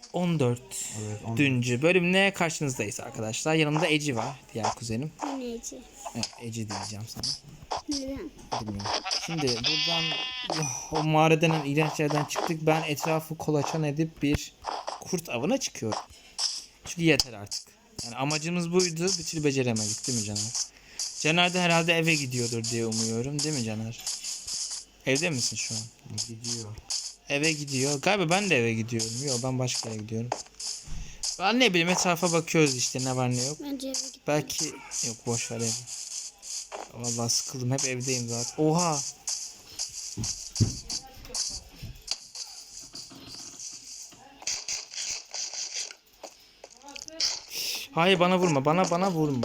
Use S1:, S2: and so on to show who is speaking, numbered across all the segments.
S1: 14.
S2: Evet, 14.
S1: Düncü bölümle karşınızdayız arkadaşlar. Yanımda Eci var, diğer kuzenim.
S3: Ne Eci?
S1: Evet, Eci diyeceğim sana.
S3: Neden?
S1: Bilmiyorum. Şimdi buradan o mağaradan iğrenç yerden çıktık. Ben etrafı kolaçan edip bir kurt avına çıkıyorum. Çünkü yeter artık. Yani amacımız buydu. Bir türlü beceremedik, değil mi Caner? Caner de herhalde eve gidiyordur diye umuyorum. Değil mi Caner? Evde misin şu an?
S2: Gidiyor.
S1: Eve gidiyor. Galiba ben de eve gidiyorum. Yok, ben başka yere gidiyorum. Ben ne bileyim, etrafa bakıyoruz işte, ne var ne yok.
S3: Bence eve git.
S1: Belki yok, boş ver evi. Vallahi sıkıldım, hep evdeyim zaten. Oha. Hayır, bana vurma. Bana vurma.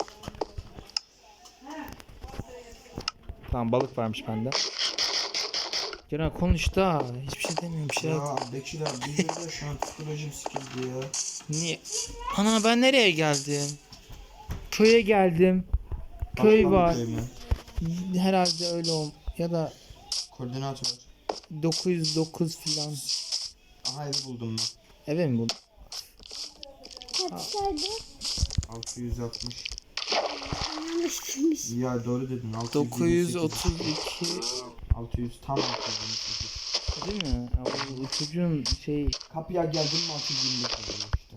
S1: Tamam, balık varmış bende. Ceren konuş da. Hiçbir şey demiyorum. Bir şey yok.
S2: Ya Bekir abi bilmiyorum şu an psikolojim sıkıldı ya.
S1: Niye? Ana, ben nereye geldim? Köye geldim. Köy
S2: Atlan
S1: var.
S2: köy mü?
S1: Herhalde öyle ya da
S2: Koordinat var.
S1: 909 filan.
S2: Aha evi buldum ben.
S1: Eve mi bu?
S3: Kaçtaydı?
S2: 660.
S3: Yanlış bilmiş.
S2: Ya doğru dedin.
S1: 932
S2: 600 tam 628.
S1: değil mi? Ya, bu çocuğun
S2: Kapıya geldim mi 625 oluyor işte.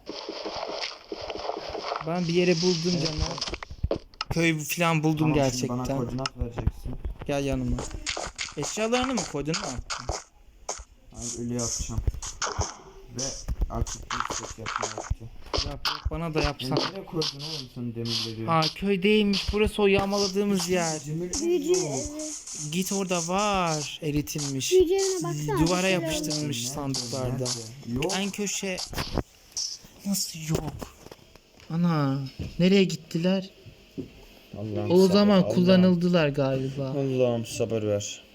S1: ben bir yere buldum
S2: Evet,
S1: Caner. Köy filan buldum
S2: Tamam, şimdi
S1: gerçekten.
S2: bana koordinat vereceksin.
S1: Gel yanıma. Eşyalarını mı koydun, ne yaptın?
S2: Ben öyle yapacağım. Ve artık bir ses yapmaya yapacağım.
S1: Yap, bana da yapsan.
S2: Nereye koydun oğlum sen demirleri?
S1: Ha, köydeymiş. Burası o yağmaladığımız yer.
S3: Büyücü
S1: Git, orada var. Eritilmiş.
S3: Büyücüğüne baksana.
S1: Duvara
S3: bir şeyler
S1: yapıştırılmış
S2: Nerede?
S1: sandıklarda.
S2: Nerede? Yok.
S1: En köşe. Nasıl yok? Ana, nereye gittiler?
S2: Allah'ım
S1: O zaman
S2: sabır,
S1: kullanıldılar galiba.
S2: Allah'ım sabır ver.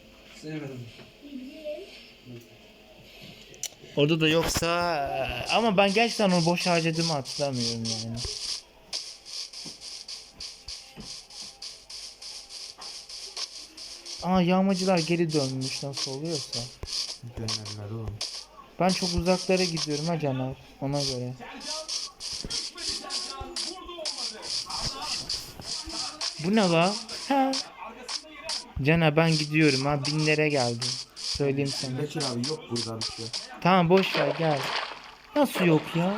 S1: Orada da yoksa, ama ben gerçekten onu boş harcadığımı hatırlamıyorum yani. Aa, yağmacılar geri dönmüş, nasıl oluyorsa.
S2: Dönerler oğlum.
S1: Ben çok uzaklara gidiyorum ha Caner, ona göre. Bu ne la? Ha. Caner, ben gidiyorum ha, binlere geldim. Söyleyeyim sana.
S2: Bekir abi yok burada bir şey.
S1: Tamam, boş ver, gel. Nasıl yok ya?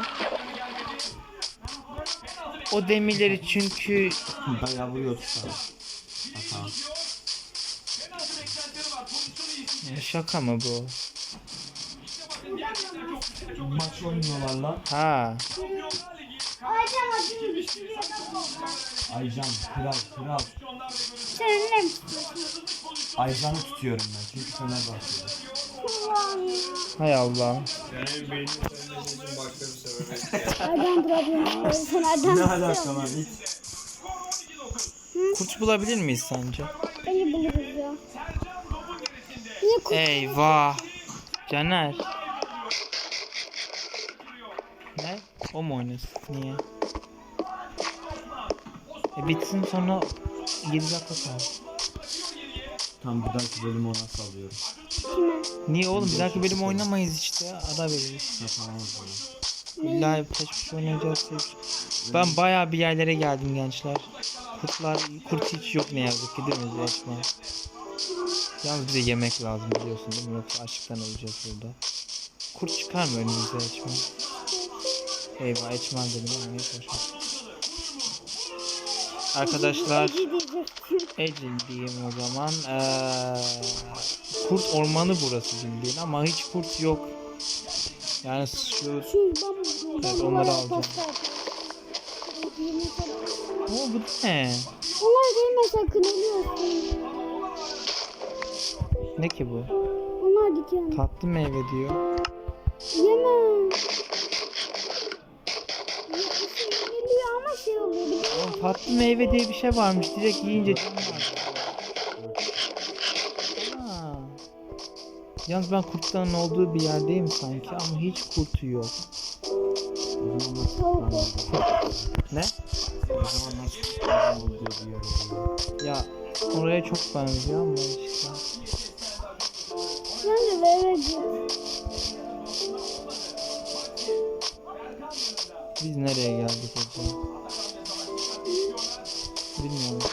S1: O demirleri çünkü
S2: Bayağı vuruyordu sana. Aha.
S1: şaka mı bu?
S2: Maç oynuyorlar lan.
S1: Ha.
S3: Aycan adını bir şey
S2: Aycan kral.
S3: Senin ne?
S2: Aycan'ı tutuyorum ben çünkü Fenerbahçe'de.
S1: Hay Allah.
S4: Senin beynini sevmesi için başka bir sebep.
S3: Aycan durabiliyor. Sen Aycan
S2: Ne alaka lan hiç?
S1: Kurt bulabilir miyiz sence?
S3: Beni buluruz ya. Niye kurt?
S1: Eyvah. Caner. Ne? O mu oynasın? Niye? Bitsin sonra 7 dakika kaldı.
S2: Tam bir dahaki bölümü ona salıyorum.
S1: Niye oğlum? Bir dahaki bölüm oynamayız işte. Ara veririz.
S2: Tamam o zaman.
S1: İlla peş peşe oynayacağız. Ben bayağı bir yerlere geldim gençler. Kurt hiç yok ne yazık ki, değil mi Eçmen? Yalnız bize yemek lazım, biliyorsun değil mi? Yoksa açlıktan öleceğiz burada. Kurt çıkar mı önümüze Eçmen? Eyvah, Eçmen dedim ama hiç hoş. Arkadaşlar, Ecil diyeyim o zaman. Kurt ormanı burası bildiğin ama hiç kurt yok. Yani evet, onları alacağım. Bu ne?
S3: Onlar gelme sakın ölüyorsun.
S1: Ne ki bu?
S3: Onlar diken.
S1: Tatlı meyve diyor.
S3: Yeme. Geliyor ama şey oluyor.
S1: Oğlum, tatlı meyve diye bir şey varmış. Direkt yiyince canım var. Ha. Yalnız ben kurtların olduğu bir yerdeyim sanki ama hiç kurt yok.
S2: O zaman nasıl
S3: Tavuk ol.
S1: Ne?
S2: O zaman nasıl olduğu bir yer oluyor.
S1: Ya oraya çok benziyor ama işte.
S3: Bence eve git.
S1: Biz nereye geldik acaba? Bilmiyorum.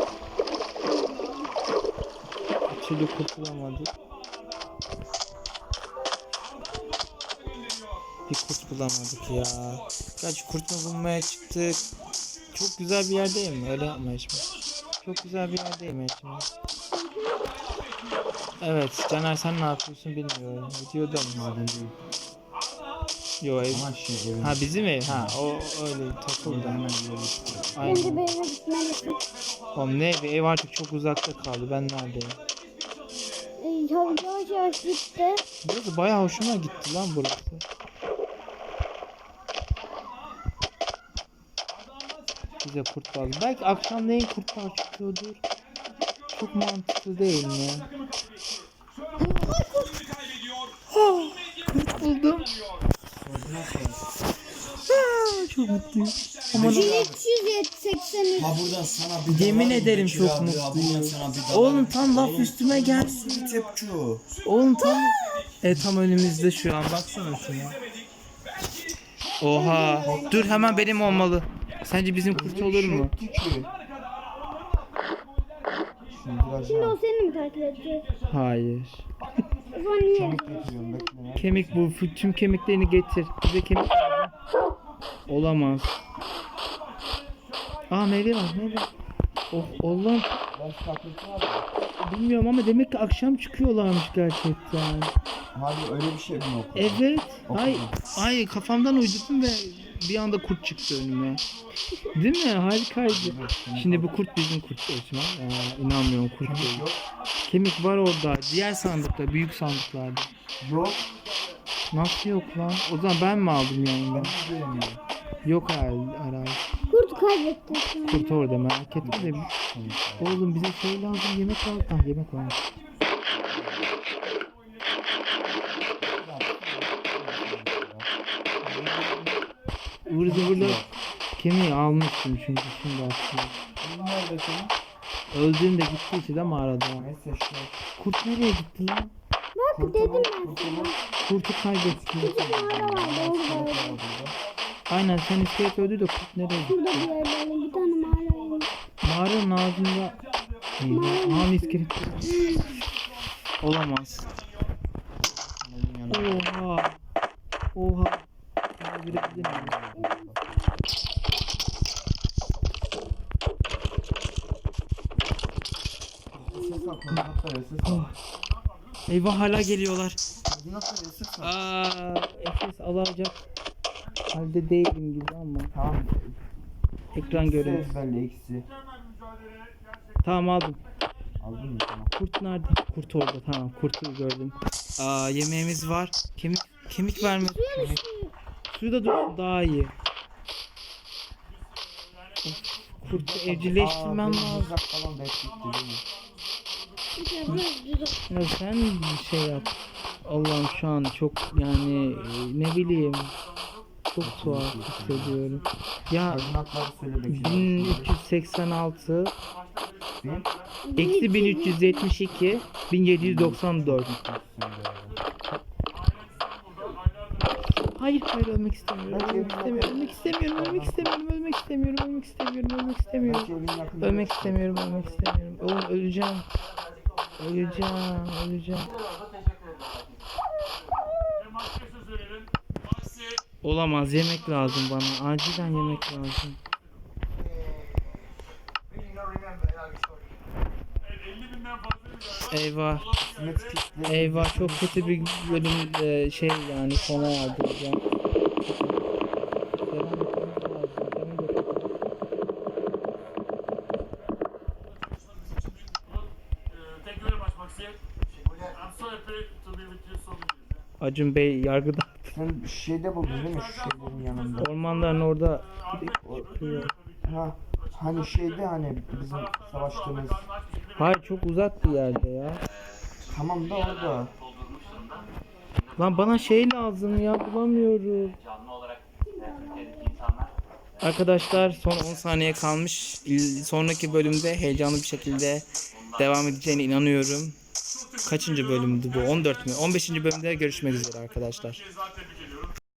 S1: Bir türlü kurtulamadık. Bir kurt bulamadık ya. Kaç kurt mu bulmaya çıktık? Çok güzel bir yerdeyim mi? Öyle yapma şimdi. Çok güzel bir yerdeyim şimdi. Evet, Caner sen ne yapıyorsun bilmiyorum. Videoda mı?
S2: Maden değil.
S1: Yo ev.
S2: Ama şey evin.
S1: Ha bizim ev. Ha o öyle takıldı.
S2: Hemen ileri çıkıyor.
S3: Bence
S1: Aynen.
S3: bir eve gitmelisin.
S1: Oğlum ne evi? Ev artık çok uzakta kaldı. Ben neredeyim?
S3: Yavaş yavaş gitti.
S1: Burası bayağı hoşuma gitti lan burası. Bize kurt lazım. Belki akşamleyin kurtlar çıkıyordur. Çok mantıklı değil mi? Kurt buldum. Çok mutluyum. Aman
S3: 383.
S2: Ha buradan sana bir
S1: yemin
S2: dalarım
S1: ederim
S2: Bekir
S1: çok
S2: abi ya,
S1: mutluyum.
S2: buradan sana bir dalarım.
S1: Oğlum tam laf
S2: Oğlum,
S1: üstüme gelsin.
S2: bir tepçi.
S1: Oğlum tam tam önümüzde şu an baksana şuna. Oha. Dur hemen benim olmalı. Sence bizim kurt olur mu?
S3: Şimdi o seni mi takip edecek?
S1: Hayır.
S3: O zaman niye?
S2: Getiriyorum bekle ya.
S1: Kemik bu. Tüm kemiklerini getir. Bize kemik lazım. Olamaz. Aa meyve var meyve. Oh Allah'ım.
S2: Ben saklısı var mı?
S1: Bilmiyorum ama demek ki akşam çıkıyorlarmış gerçekten.
S2: Hadi öyle bir şey mi yok?
S1: Evet. Ay kafamdan uydurdum ve bir anda kurt çıktı önüme. Değil mi? Harikaydı. Şimdi bu kurt bizim kurt Osman. İnanmıyorum kurt değil.
S2: Yok.
S1: Kemik var orada. Diğer sandıkta, büyük sandıklarda.
S2: Yok.
S1: Nasıl yok lan? O zaman ben mi aldım yani?
S2: Ben de diyemiyorum.
S1: Yok herhalde.
S3: Kurt kaybettin şu an.
S1: Kurt orada merak etme de. Oğlum bize şey lazım, yemek lazım. Ah yemek var. Ivır zıvırla kemiği almıştım çünkü şimdi aslında.
S2: Nerede senin?
S1: Öldüğümde gittiyse de mağarada.
S2: Neyse işte.
S1: Kurt nereye gitti lan?
S3: Bak dedim ben sana.
S1: Kurtu kaybettim.
S3: Mağara vardı orada.
S1: Aynen sen iskelet öldü de kurt nereye gitti?
S3: Burada bir yerde bir tane mağara var.
S1: Mağaranın ağzında... Aha iskelet. Olamaz. Oha. Oha. Görebilir miyim?
S2: Ses al, koordinatlar ya, ses al.
S1: Eyvah hala geliyorlar.
S2: Koordinatlar ya, ses al.
S1: Efes alacak halde değilim gibi ama.
S2: Tamam.
S1: Ekran görüntüsü.
S2: Ezberle ikisi.
S1: Tamam aldım.
S2: Aldın mı tamam?
S1: Kurt nerede? Kurt orada. Tamam kurtu gördüm. Yemeğimiz var. Kemik vermiyor. Suyu da dursun daha iyi. Of, kurtu evcilleştirmem lazım.
S2: Uzak falan bekliyor değil mi?
S1: Ya sen bir şey yap. Allah'ım şu an çok yani ne bileyim çok tuhaf hissediyorum. Ya
S2: Koordinatları söyle Bekir.
S1: 1386
S2: Bin.
S1: eksi 1372 1794. Hayır ölmek istemiyorum. Ölmek istemiyorum. Ölmek istemiyorum. Ölmek istemiyorum. Ölmek istemiyorum. Ölmek istemiyorum.
S2: Belki evin yakında.
S1: Ölmek istemiyorum. Ölmek istemiyorum. Oğlum öleceğim. Öleceğim. Olamaz, yemek lazım bana. Acilen yemek lazım. Eyvah. Eyvah çok kötü bir bölüm şey yani sona yardıracağım. Devam etmemiz lazım. Demin de çok-
S5: Thank you very much, Maxi. I'm so happy to be with you so many.
S1: Acun Bey yargıda.
S2: Sen şeyde buldun değil mi şu şeylerin yanında?
S1: Ormanların orada.
S2: Ha, hani şeyde hani bizim savaştığımız.
S1: Hayır çok uzak bir yerde ya.
S2: Tamam da orada.
S1: Lan bana şey lazım ya bulamıyorum. Arkadaşlar son 10 saniye kalmış. Sonraki bölümde heyecanlı bir şekilde devam edeceğine inanıyorum. Kaçıncı bölümdü bu? 14 mü? 15. bölümde görüşmek üzere arkadaşlar.
S5: Zaten bir geliyorum.